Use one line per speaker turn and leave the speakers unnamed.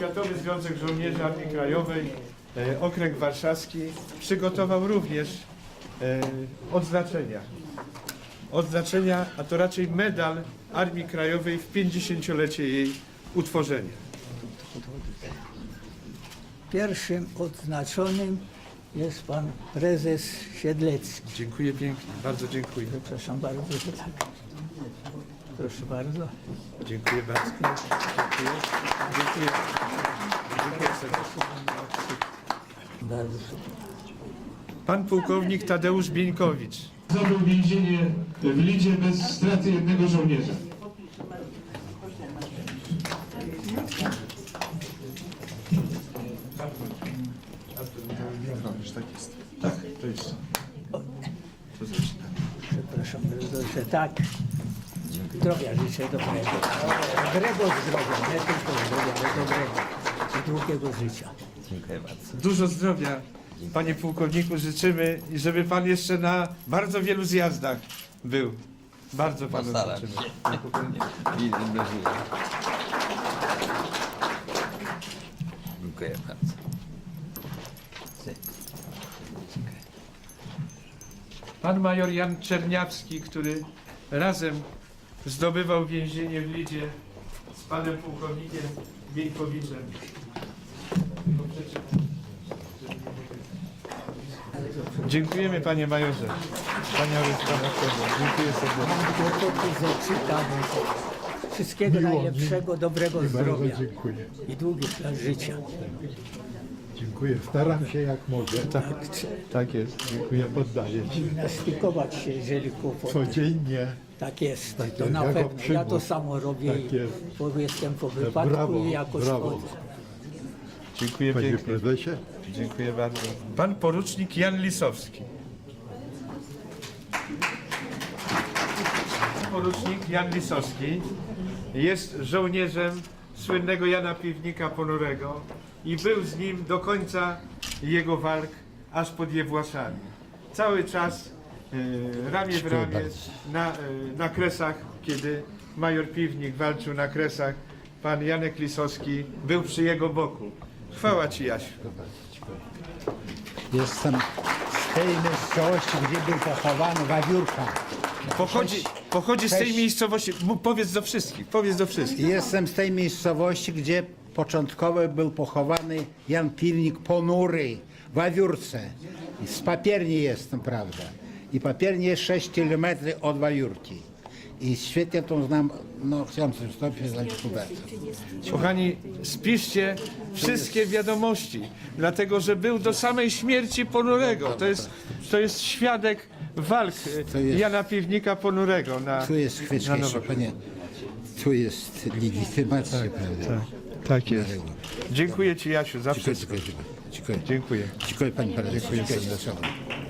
Światowy Związek Żołnierzy Armii Krajowej, Okręg Warszawski przygotował również odznaczenia, a to raczej medal Armii Krajowej w 50-lecie jej utworzenia.
Pierwszym odznaczonym jest pan prezes Siedlecki.
Dziękuję pięknie, bardzo dziękuję.
Przepraszam bardzo, że tak. Proszę bardzo.
Dziękuję bardzo. Dziękuję. Dziękuję. Dziękuję serdecznie.
Bardzo.
Pan pułkownik Tadeusz Bieńkowicz.
Zdobył więzienie w Lidzie bez straty jednego żołnierza.
Tak, to jest.
Przepraszam bardzo, że tak. Zdrowia życzę dobrego. Dobrego zdrowia, nie tylko zdrowia, ale dobrego i długiego życia.
Dziękuję bardzo.
Dużo zdrowia, panie pułkowniku, życzymy i żeby pan jeszcze na bardzo wielu zjazdach był. Bardzo panu
Postaram
życzymy.
się. Widzę do życia. Dziękuję bardzo.
Pan major Jan Czerniawski, który razem zdobywał więzienie w Lidzie z panem pułkownikiem Bieńkowiczem. Dziękujemy panie majorze. Wspaniały pan aktorze. Dziękuję serdecznie.
Kłopoty zaczytam. Wszystkiego najlepszego, dobrego zdrowia
Dziękuję.
i długich lat życia.
Dziękuję. Staram się jak mogę.
Tak jest.
Dziękuję. Poddaję się.
Gimnastykować się, jeżeli kłopoty.
Codziennie.
Tak jest,
Tak
to
jest,
na
jako
pewno. Ja to
przygód.
samo robię
Tak
i
jest.
jestem po wypadku
Brawo,
i jakoś
brawo.
chodzę.
Dziękuję
Panie
pięknie.
prezesie.
Dziękuję bardzo. Pan porucznik Jan Lisowski. Porucznik Jan Lisowski jest żołnierzem słynnego Jana Piwnika Ponurego i był z nim do końca jego walk, aż pod Jewłaszami. Cały czas ramię w ramię na Kresach, kiedy major Piwnik walczył na Kresach, pan Janek Lisowski był przy jego boku. Chwała ci, Jasiu.
Jestem z tej miejscowości, gdzie był pochowany Wawiórka.
Pochodzi z tej miejscowości. Powiedz do wszystkich, powiedz do wszystkich.
Jestem z tej miejscowości, gdzie początkowo był pochowany Jan Piwnik Ponury w Wawiórce. I z Papierni jestem, prawda. I Papierni jest 6 km od Wawiórki. I świetnie to znam, no chciałem coś wstąpić dla Kuberta.
Kochani, spiszcie wszystkie wiadomości, dlatego że był do samej śmierci Ponurego. To jest świadek walk
jest-
Jana Piwnika Ponurego na
Tu jest chwyczka jeszcze, panie. Tu jest legitymacja, prawda.
Tak jest. Dziękuję ci, Jasiu, za wszystko.
Dziękuję.
Dziękuję.
Dziękuję panie prezesie. Dziękuję serdecznie.